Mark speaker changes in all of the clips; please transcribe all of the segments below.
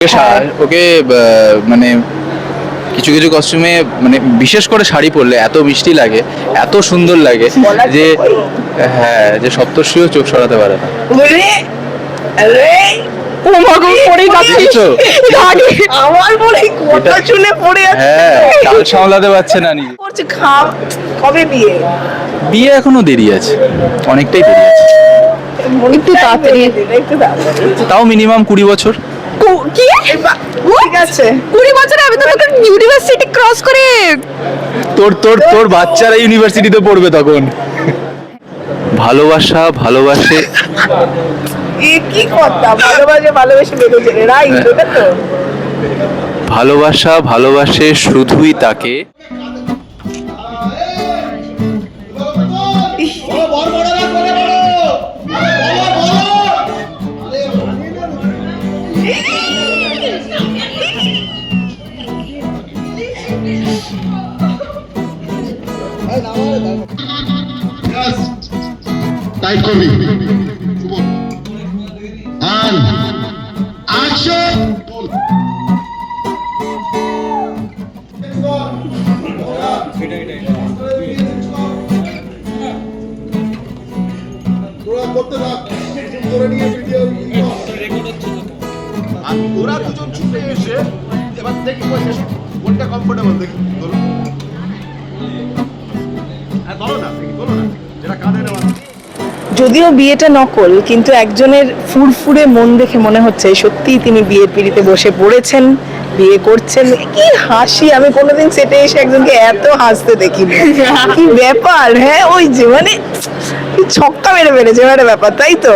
Speaker 1: ওকে মানে কিছু কিছু কস্টিউমে মানে বিশেষ করে শাড়ি পরলে এত মিষ্টি লাগে, এত সুন্দর লাগে যে হ্যাঁ, যে সপ্তর্ষিও চোখ সরাতে পারে না।
Speaker 2: আমার বলে কথা শুনে পড়ে
Speaker 1: হ্যাঁ, তাল সামলাতে পারছে না নিজে।
Speaker 2: যাচ্ছে। কবে বিয়ে?
Speaker 1: বিয়ে এখনো দেরি আছে, অনেকটাই দেরি আছে,
Speaker 2: একটু তাড়াতাড়ি, একটু তাড়াতাড়ি।
Speaker 1: তাও মিনিমাম 20 বছর।
Speaker 2: কি? ঠিক আছে, 20 বছর আমি তো তখন ইউনিভার্সিটি ক্রস করে।
Speaker 1: তোর তোর তোর বাচ্চারা ইউনিভার্সিটিতে পড়বে তখন। ভালোবাসা ভালোবাসে,
Speaker 2: এ কি কথা? ভালোবেসে বেরোচ্ছে রে, রাইট? ওটা তো
Speaker 1: ভালোবাসা ভালোবাসে শুধুই তাকে।
Speaker 3: টাইট করবি আর অ্যাকশন।
Speaker 4: ওরা দুজন ছুটে এসে এবার দেখি কোনটা কমফোর্টেবল দেখি বলো। হ্যাঁ বলো না, দেখি বলো না, যেটা কাঁধে নেওয়া।
Speaker 2: যদিও বিয়েটা নকল, কিন্তু একজনের ফুরফুরে মন দেখে মনে হচ্ছে সত্যিই তিনি বিয়ের পিড়িতে বসে পড়েছেন, বিয়ে করছেন। কি হাসি! আমি কোনোদিন সেটে এসে একজনকে এত হাসতে দেখিনি। কি ব্যাপার! হ্যাঁ, ওই যে মানে কি ছক্কা মেরে ফেলেছে একটা ব্যাপার, তাই তো?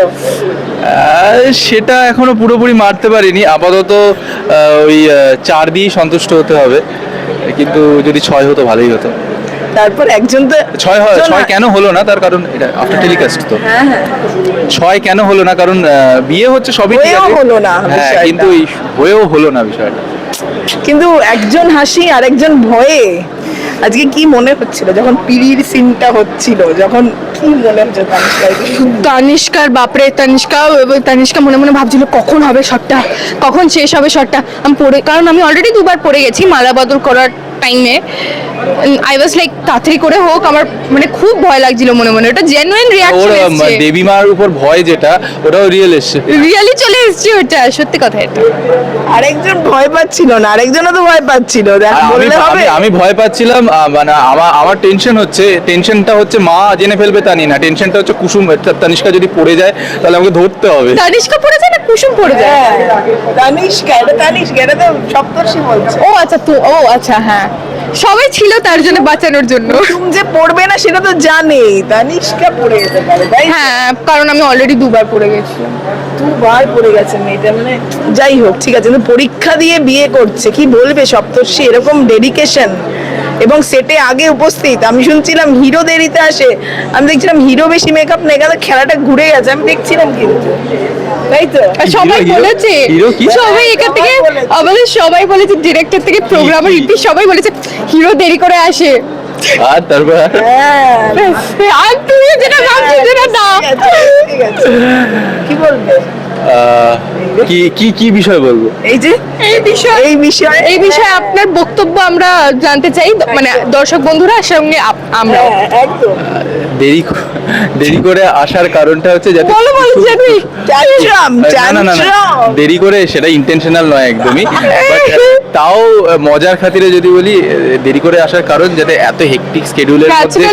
Speaker 1: সেটা এখনো পুরোপুরি মারতে পারিনি, আপাতত ওই 4 দিয়েই সন্তুষ্ট হতে হবে, কিন্তু যদি 6 হতো ভালোই হতো।
Speaker 2: তারপর একজন তো
Speaker 1: 6 কেন হলো না তার কারণ এটা আফটার টেলিকাস্ট তো।
Speaker 2: হ্যাঁ হ্যাঁ,
Speaker 1: 6 কেন হলো না কারণ বিয়ে হচ্ছে সবই ঠিক
Speaker 2: হয়েও
Speaker 1: আছে,
Speaker 2: হলো না
Speaker 1: হ্যাঁ,
Speaker 2: বিষয়টা।
Speaker 1: কিন্তু হয়েও হলো না বিষয়টা।
Speaker 2: কিন্তু একজন হাসি আর একজন ভয়ে। আজকে কি মনে হচ্ছিল যখন পিড়ির সিনটা হচ্ছিল, যখন কি মনে হচ্ছে
Speaker 5: তানিষ্কার? বাপরে, তানিষ্কা মনে মনে ভাবছিল কখন হবে শটটা, কখন শেষ হবে শটটা। আমি পড়ে, কারণ আমি অলরেডি 2বার পড়ে গেছি মালা বদল করার টাইমে। আই ওয়াজ লাইক তাড়াতাড়ি করে হোক, আমার মানে খুব ভয় লাগছিল মনে মনে। ওটা জেনুইন
Speaker 1: ওর
Speaker 5: রিয়াকশন এসেছে,
Speaker 1: দেবী মার উপর ভয় যেটা, ওটাও রিয়েল এসছে,
Speaker 5: রিয়েলি চলে এসেছে ওটা, সত্যি কথা এটা।
Speaker 2: আরেকজন ভয় পাচ্ছিল না, আরেকজনও তো ভয় পাচ্ছিল। দেখ,
Speaker 1: আর
Speaker 2: বললে হবে?
Speaker 1: আমি ভয় পাচ্ছিলাম, মানে আমার টেনশনটা হচ্ছে মা জেনে ফেলবে তা না, টেনশনটা হচ্ছে কুসুম, তানিষ্কা যদি পড়ে যায় তাহলে আমাকে ধরতে হবে।
Speaker 5: তানিষ্কা পড়ে যায় না কুসুম পড়ে যায়?
Speaker 2: হ্যাঁ, তানিষ্কা, এটা তো সপ্তর্ষি বলছে।
Speaker 5: ও আচ্ছা, তো ও আচ্ছা, হ্যাঁ, সবাই ছিল তার জন্য, বাঁচানোর জন্য।
Speaker 2: কুসুম যে পড়বে না সেটা তো জানে, তানিষ্কা পড়ে যেতে পারে, তাই?
Speaker 5: হ্যাঁ, কারণ আমি অলরেডি 2বার পড়ে গেছিলাম।
Speaker 2: 2বার পড়ে গেছে মেয়েটা, মানে যাই হোক, ঠিক আছে। কিন্তু পরীক্ষা দিয়ে বিয়ে করছে, কি বলবে সপ্তর্ষি? এরকম ডেডিকেশন, এবং সেটে আগে উপস্থিত। আমি শুনছিলাম হিরো দেরিতে আসে, আমি দেখছিলাম হিরো বেশি মেকআপ নেই, কারণ খেলাটা ঘুরে গেছে, আমি দেখছিলাম কিন্তু, তাই তো?
Speaker 5: আর সবাই
Speaker 1: হিরো?
Speaker 5: বলেছে,
Speaker 1: হিরো কি?
Speaker 5: সবাই এখান থেকে আমাদের সবাই বলেছে, ডিরেক্টর থেকে প্রোগ্রামার ইতি সবাই বলেছে হিরো দেরি করে আসে।
Speaker 1: আর তারপর
Speaker 2: হ্যাঁ,
Speaker 5: আর তুই যেটা ভাবছিস যেটা না।
Speaker 2: ঠিক আছে, কি বলবে?
Speaker 1: কি কি কি বিষয় বলবো?
Speaker 2: এই যে এই বিষয়ে
Speaker 5: আপনার বক্তব্য আমরা জানতে চাই, মানে দর্শক বন্ধুরা সঙ্গে আমরা।
Speaker 2: হ্যাঁ, একদম।
Speaker 1: দেরি করে আসার কারণটা হচ্ছে যাতে
Speaker 5: বলো জানি
Speaker 1: দেরি করে, সেটা ইন্টেনশনাল নয় একদমই, But, তাও মজার খাতিরে যদি বলি, দেরি করে আসার কারণ যাতে এত হেক্টিক স্কেডিউলের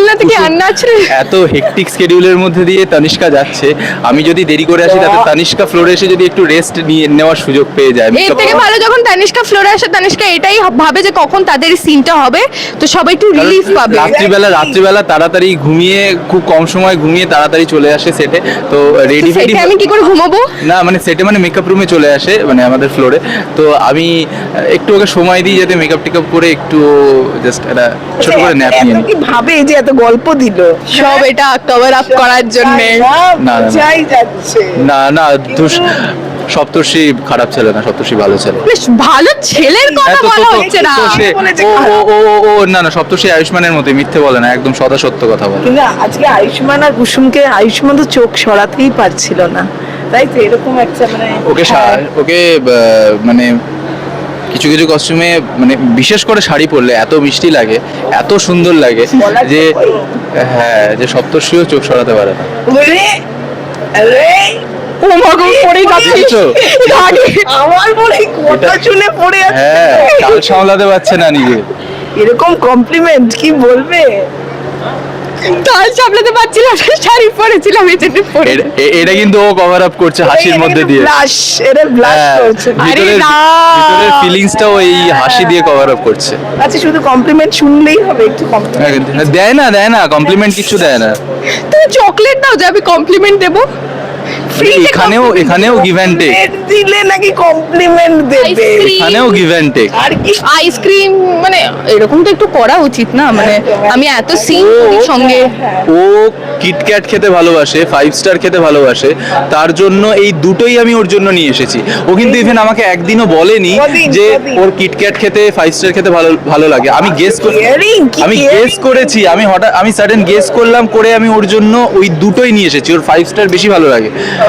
Speaker 1: মধ্যে দিয়ে তানিষ্কা যাচ্ছে, আমি যদি দেরি করে আসি তাতে তানিষ্কা ফ্লোরে এসে যদি একটু রেস্ট নিয়ে নেওয়ার সুযোগ পেয়ে যায়।
Speaker 5: এর থেকে ভালো যখন তানিষ্কা ফ্লোরে আসে, তানিষ্কা এটাই ভাবে যে কখন তাদের সিনটা হবে, তো সবাই একটু রিলিফ পাবে।
Speaker 1: রাত্রিবেলা তাড়াতাড়ি ঘুমিয়ে, খুব কম সময় ঘুমিয়ে তাড়াতাড়ি চলে আসে সেটে, তো রেডি ফেডি।
Speaker 5: আমি কি করে ঘুমাবো?
Speaker 1: না মানে সেটে মানে মেকআপ রুমে চলে আসে, মানে আমাদের ফ্লোরে, তো আমি একটু ওকে সময় দিই যাতে মেকআপ টেকআপ করে একটু জাস্ট একটা ছোট করে ন্যাপ নিয়ে নিই।
Speaker 2: কি ভাবে যে এত গল্প দিল
Speaker 5: সব এটা কভার আপ করার জন্য?
Speaker 1: না,
Speaker 2: যাই যাচ্ছে।
Speaker 1: না, সপ্তর্ষি খারাপ ছেলে না, সপ্তর্ষি ভালো ছেলে।
Speaker 5: বেশ ভালো ছেলের কথা বলা হচ্ছে না।
Speaker 1: না, সপ্তর্ষি আয়ুষ্মানের মতোই মিথ্যে বলে না, একদম সদা সত্য কথা বলে।
Speaker 2: কিন্তু আজকে আয়ুষ্মান আর কুসুমকে, আয়ুষ্মান তো চোখ সরাতেই পারছিল না, তাই তো এরকম একটা মানে
Speaker 1: ওকে ওকে মানে কিছু কিছু কস্টিউমে মানে বিশেষ করে শাড়ি পরলে এত মিষ্টি লাগে, এত সুন্দর লাগে
Speaker 2: বলার
Speaker 1: যে
Speaker 2: তো কই।
Speaker 1: হ্যাঁ, যে সপ্তর্ষিও চোখ সরাতে পারে না।
Speaker 2: ওরে আরে
Speaker 5: ও মা গো, পড়ে যাচ্ছিস
Speaker 1: দেখেছো?
Speaker 5: গাড়ি।
Speaker 2: আমার মনে কথা শুনে পড়ে যাচ্ছে
Speaker 1: হ্যাঁ, চাল সামলাতে পারছে না নিজে।
Speaker 2: এরকম কমপ্লিমেন্ট কি বলবে?
Speaker 5: তাল সামলাতে পারছিলাম না, শাড়ি পরেছিলাম এই জন্য পরে।
Speaker 1: এটা কিন্তু ও কভার আপ করছে হাসির মধ্যে দিয়ে।
Speaker 2: ব্লাশ, এটা ব্লাশ
Speaker 1: হ্যাঁ,
Speaker 2: করছে।
Speaker 1: ভিতরের
Speaker 5: না।
Speaker 1: ভিতরের ফিলিংসটাও এই হাসি দিয়ে কভার আপ করছে।
Speaker 2: আচ্ছা শুধু কমপ্লিমেন্ট শুনলেই হবে, একটু কমপ্লিমেন্ট
Speaker 1: দেয় না কমপ্লিমেন্ট কিছু দেয় না।
Speaker 5: তুমি চকলেট দাও যে আমি কমপ্লিমেন্ট দেবো।
Speaker 1: এখানেও গিভ অ্যান্ড টেক,
Speaker 2: দিলে নাকি কমপ্লিমেন্ট দেবে?
Speaker 5: Ice-cream।
Speaker 1: এখানেও গিভ অ্যান্ড টেক।
Speaker 2: আর কি
Speaker 5: আইসক্রিম মানে এরকম তো একটু করা উচিত না, মানে আমি এত সিন করি সঙ্গে।
Speaker 1: ও কিটক্যাট খেতে ভালোবাসে, 5 স্টার খেতে ভালোবাসে, তার জন্য এই দুটোই আমি ওর জন্য নিয়ে এসেছি। ও কিন্তু ইভেন আমাকে একদিনও বলেনি
Speaker 2: কদিন?
Speaker 1: যে ওর কিটক্যাট খেতে 5 স্টার খেতে ভালো লাগে। আমি গেস
Speaker 2: caring, কি
Speaker 1: আমি
Speaker 2: caring
Speaker 1: গেস করেছি, আমি সাডেন গেস করলাম, করে আমি ওর জন্য ওই দুটোই নিয়ে এসেছি। ওর 5 স্টার বেশি ভালো লাগে।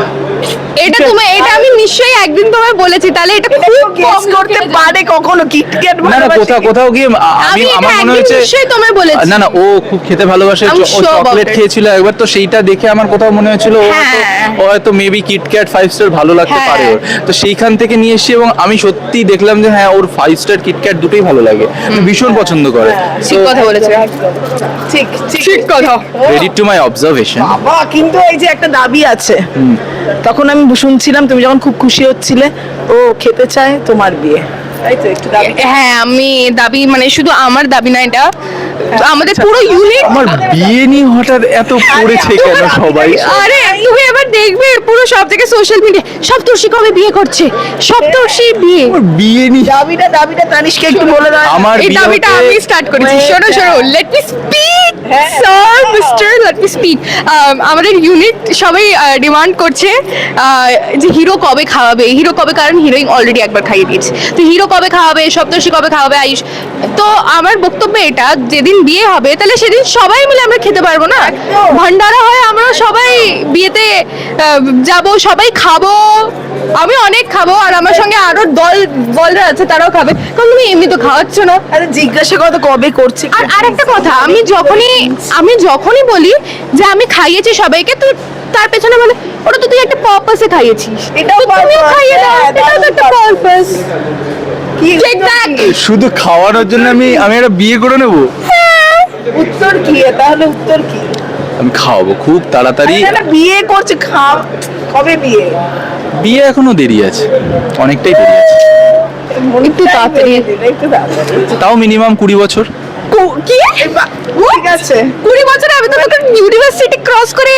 Speaker 5: এটা আমি নিশ্চয়ই একদিন তোমায় বলেছি, তাহলে এটা খুব
Speaker 2: গেস
Speaker 5: কম
Speaker 2: করতে
Speaker 5: লোকেরা
Speaker 2: পারে কখনো কিটক্যাট
Speaker 1: না না, কোথাও গিয়ে
Speaker 5: আমি এটা
Speaker 1: আমার মনে
Speaker 5: একদিন
Speaker 1: হচ্ছে
Speaker 5: নিশ্চয়ই তোমায় বলেছি।
Speaker 1: না ও খুব খেতে ভালোবাসে।
Speaker 5: I'm
Speaker 1: ও
Speaker 5: sure about
Speaker 1: চকলেট
Speaker 5: it.
Speaker 1: খেয়েছিল একবার, তো সেইটা দেখে আমার কোথাও মনে হয়েছিল
Speaker 5: হ্যাঁ।
Speaker 1: ও হয়তো মেবি কিটক্যাট 5 স্টার ভালো লাগতে
Speaker 5: হ্যাঁ।
Speaker 1: পারে ওর। তো সেইখান থেকে নিয়ে এসেছি এবং আমি সত্যি দেখলাম যে হ্যাঁ, ওর 5 স্টার কিটক্যাট দুটোই ভালো লাগে, ভীষণ পছন্দ করে।
Speaker 5: ঠিক কথা বলেছে।
Speaker 2: ঠিক
Speaker 5: ঠিক কথা।
Speaker 1: Credit to my observation.
Speaker 2: বাবা, কিন্তু এই যে একটা দাবি আছে, তখন আমি শুনছিলাম তুমি যখন খুব খুশি হচ্ছিলে, ও খেতে চায় তোমার বিয়ে, তাই তো? একটু দাবি
Speaker 5: হ্যাঁ, আমি দাবি মানে শুধু আমার দাবি না, এটা আমাদের পুরো ইউনিট।
Speaker 1: আমার বিয়ে নিয়ে হঠাৎ এত পড়েছে কেন সবাই?
Speaker 5: আরে তুমি এবার দেখবে পুরো সব থেকে সোশ্যাল মিডিয়া সপ্তর্ষি কবে বিয়ে করছে, সপ্তর্ষি বিয়ে।
Speaker 1: আমার বিয়ে নিয়ে
Speaker 2: দাবিটা তানিশকে একটু বলে দাও।
Speaker 1: আমার
Speaker 5: এই
Speaker 1: বিয়ে
Speaker 5: দাবিটা
Speaker 1: হতে-
Speaker 5: আমি স্টার্ট করেছি। শোনো লেট মি স্পিক
Speaker 2: হ্যাঁ।
Speaker 5: Sir, mister, let me speak. আমাদের ইউনিট সবাই ডিমান্ড করছে যে হিরো কবে খাওয়াবে, হিরো কবে, কারণ হিরোইন অলরেডি একবার খাইয়ে দিয়েছে, তো হিরো কবে খাওয়াবে, সপ্তর্ষি কবে খাওয়াবে আয়ুষ। তো আমার বক্তব্য এটা, যেদিন বিয়ে হবে তাহলে সেদিন সবাই মিলে আমরা খেতে পারবো না? ভান্ডারা হয়, আমরা সবাই বিয়েতে যাব, সবাই খাবো, আমি অনেক খাবো, আর আমার সঙ্গে আরো বলরা আছে তারাও খাবে, কারণ তুমি এমনি তো খাওয়াচ্ছ না।
Speaker 2: আরে জিজ্ঞাসা করো তো কবে করছে।
Speaker 5: আর আরেকটা কথা, আমি যখনই বলি যে আমি খাইয়েছি সবাইকে, তো তার পেছনে বলে ওটা তো তুই একটা পারপাসে খাইয়েছিস,
Speaker 2: এটাও
Speaker 5: তো তুমিও
Speaker 2: purpose,
Speaker 5: খাইয়ে দাও,
Speaker 2: হ্যাঁ,
Speaker 5: এটাও তো একটা পারপাস।
Speaker 2: কি
Speaker 5: Take that!
Speaker 1: শুধু খাওয়ানোর জন্য আমি একটা বিয়ে করে নেব?
Speaker 2: উত্তর কি? তাহলে উত্তর কি?
Speaker 1: আমি খাওয়াবো খুব তাড়াতাড়ি।
Speaker 2: না, বিয়ে করছে, কবে বিয়ে?
Speaker 1: বিয়ে এখনো দেরি আছে, অনেকটাই দেরি আছে,
Speaker 5: একটু তাড়াতাড়ি।
Speaker 2: একটু তাড়াতাড়ি।
Speaker 1: তাও মিনিমাম 20 বছর।
Speaker 5: কি
Speaker 2: ঠিক আছে।
Speaker 5: 20 বছরে আমি তো তোকে ইউনিভার্সিটি ক্রস করে।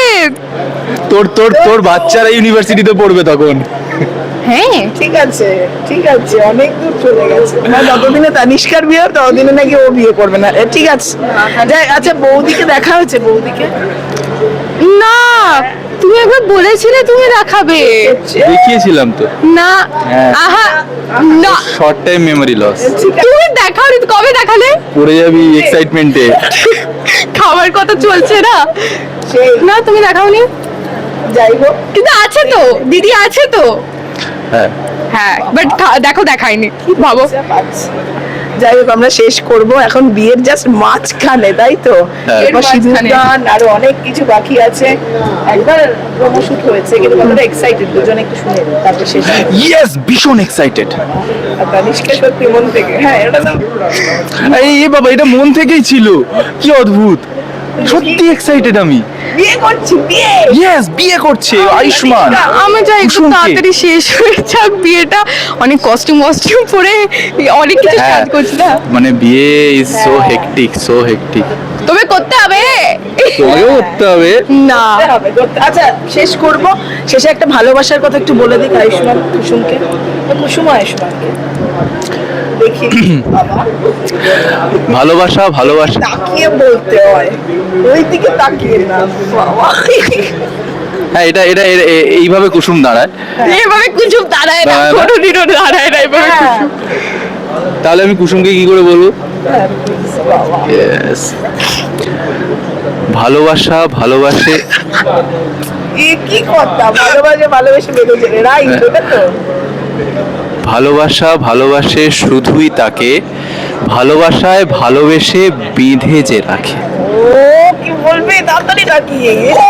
Speaker 1: তোর বাচ্চারা ইউনিভার্সিটিতে পড়বে তখন।
Speaker 5: হ্যাঁ,
Speaker 2: ঠিক আছে, অনেক দূর চলে গেছে। যতদিনে তানিষ্কার বিয়ে হবে ততদিনে নাকি ও বিয়ে করবে না। ঠিক আছে, আচ্ছা বৌদিকে দেখা হয়েছে? বৌদিকে
Speaker 5: না, তুমি একবার বলেছিলে তুমি দেখাবে।
Speaker 1: দেখিয়েছিলাম তো।
Speaker 5: না,
Speaker 1: হ্যাঁ।
Speaker 5: আহা, না,
Speaker 1: শর্ট টাইম মেমোরি লস।
Speaker 5: তুমি দেখাওনি তো, কবে দেখালে?
Speaker 1: পড়ে যাবি এক্সাইটমেন্টে।
Speaker 5: খাবার কথা চলছে না।
Speaker 2: সেই
Speaker 5: না, তুমি দেখাওনি,
Speaker 2: যাই হোক,
Speaker 5: কিন্তু আছে তো, দিদি আছে তো।
Speaker 1: হ্যাঁ,
Speaker 5: হ্যাঁ, বাট দেখো দেখায়নি, ভাবো।
Speaker 2: যা পাচ্ছি। যাই হোক, আমরা শেষ করব এখন বিয়ের জাস্ট মাঝখানে, তাই তো?
Speaker 1: হ্যাঁ।
Speaker 2: এরপর
Speaker 5: মাঝখানে।
Speaker 2: সিঁদুরদান আরো অনেক কিছু বাকি আছে। একবার প্রমোশুট হয়েছে, কিন্তু কতটা এক্সাইটেড দুজন একটু শুনে নিই, তারপর শেষ করব।
Speaker 1: ইয়েস, ভীষণ এক্সাইটেড।
Speaker 2: আর তানিষ্কা সত্যি মন থেকে, হ্যাঁ এটা তো
Speaker 1: এই বাবা, এটা মন থেকেই ছিল, কি অদ্ভুত, সত্যি এক্সাইটেড আমি।
Speaker 2: বিয়ে করছি, বিয়ে।
Speaker 1: ইয়েস, বিয়ে করছে আয়ুষ্মান।
Speaker 5: আমি চাই একটু
Speaker 1: কুসুমকে।
Speaker 5: তাড়াতাড়ি শেষ হয়ে যাক বিয়েটা, অনেক কস্টিউম পরে অনেক কিছু
Speaker 1: হ্যাঁ,
Speaker 5: কাজ করছি না।
Speaker 1: মানে বিয়ে is so hectic, so hectic.
Speaker 5: তবে করতে হবে
Speaker 1: তোমাকেও করতে হবে।
Speaker 5: না।
Speaker 2: করতে হবে, আচ্ছা শেষ করব। শেষে একটা ভালোবাসার কথা একটু বলে দিই আয়ুষ্মান কুসুমকে, কুসুম আয়ুষ্মানকে দেখি। বাবা,
Speaker 1: ভালোবাসা
Speaker 2: তাকিয়ে বলতে হয়, ওই দিকে তাকিয়ে না বাবা।
Speaker 1: হ্যাঁ, এটা এইভাবে কুসুম দাঁড়ায়।
Speaker 5: এভাবে কুসুম দাঁড়ায় না,
Speaker 1: দাঁড়ায় না।
Speaker 5: কোনোদিনও দাঁড়ায় না এভাবে
Speaker 2: হ্যাঁ,
Speaker 5: কুসুম।
Speaker 1: তাহলে আমি কুসুমকে কি করে বলবো?
Speaker 2: হ্যাঁ, please, বাবা।
Speaker 1: Yes. ভালোবাসে
Speaker 2: এ কি কথা, ভালোবেসে বেঁধেছে রে, রাইট, ওটা তো
Speaker 1: ভালোবাসা ভালোবাসে শুধুই তাকে, ভালোবাসায় ভালোবেসে বেঁধে যে রাখে।
Speaker 2: ও কি বলবে তাড়াতাড়ি তাকিয়ে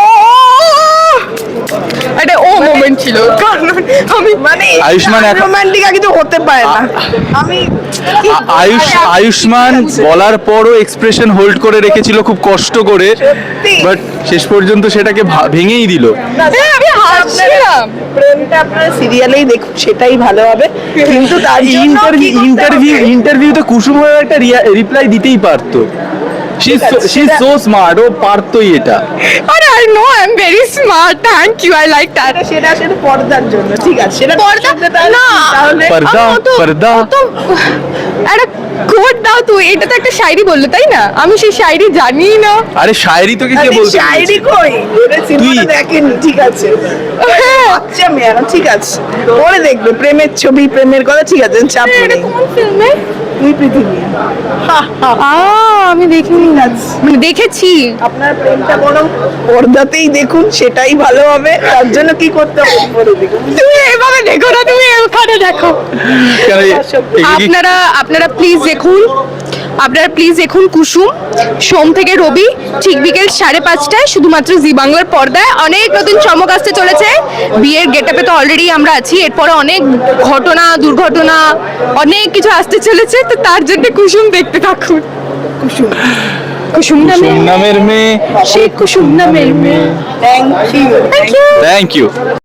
Speaker 5: একটা ও মোমেন্ট ছিল, কারণ আমি
Speaker 2: মানে
Speaker 1: আয়ুষ্মান এখন-
Speaker 2: রোমান্টিক আর কিছু হতে পারে না। আমি
Speaker 1: আয়ুষ্মান বলার পরও এক্সপ্রেশন হোল্ড করে রেখেছিল খুব কষ্ট করে,
Speaker 2: সত্যি।
Speaker 1: বাট শেষ পর্যন্ত সেটাকে ভেঙেই দিল।
Speaker 5: আমি হাসছিলাম।
Speaker 2: প্রেমটা আপনারা সিরিয়ালেই দেখুন, সেটাই ভালো হবে, কিন্তু তার জন্য কি করতে হবে?
Speaker 1: ইন্টারভিউতে কুসুম একটা রিপ্লাই দিতেই পারতো। শি ইজ সো স্মার্ট, ও পারতোই এটা।
Speaker 5: আরে I know I am very smart, thank you, I like that.
Speaker 2: সেটা সেটা পর্দার জন্য, ঠিক আছে, সেটা
Speaker 5: পর্দা না,
Speaker 2: তাহলে
Speaker 1: পর্দা পর্দা
Speaker 5: একটা কোড দাও তুই, এটা তো একটা শায়রি বললো তাই না? আমি সেই শায়রি জানি না।
Speaker 1: আরে শায়রি তোকে কে
Speaker 2: আরে
Speaker 1: বলতে
Speaker 2: শায়রি কই, ওটা সিনেমাটা দেখেনি, ঠিক আছে,
Speaker 5: হ্যাঁ,
Speaker 2: আচ্ছা মেয়ারা, ঠিক আছে, পরে দেখবে প্রেমের ছবি, প্রেমের কথা, ঠিক আছে, চাপ
Speaker 5: এটা
Speaker 2: নেই।
Speaker 5: কোন ফিল্মে?
Speaker 2: তুই পৃথিবী, হা হা হা।
Speaker 5: আমি দেখিনি, মানে দেখেছি।
Speaker 2: আপনার প্রেমটা বরং পর্দাতেই দেখুন, সেটাই ভালো হবে। তার জন্য কি করতে হবে পরে দেখুন।
Speaker 5: তুমি এভাবে দেখো না, তুমি ওখানে দেখো।
Speaker 1: কেন এ- একে কি-
Speaker 5: আপনারা প্লিজ দেখুন, আপনারা প্লিজ দেখুন কুসুম, সোম থেকে রবি ঠিক বিকেল 5:30টায় শুধুমাত্র জি বাংলার পর্দায়। অনেক নতুন চমক আসতে চলেছে, বিয়ের গেটআপে তো অলরেডি আমরা আছি, এরপরে অনেক ঘটনা দুর্ঘটনা অনেক কিছু আসতে চলেছে, তো তার জন্য কুসুম দেখতে থাকুন। কুসুম
Speaker 1: কুসুম নামের মেয়ে,
Speaker 5: সেই কুসুম নামের মেয়ে।
Speaker 2: Thank you.
Speaker 5: Thank you.
Speaker 1: Thank you.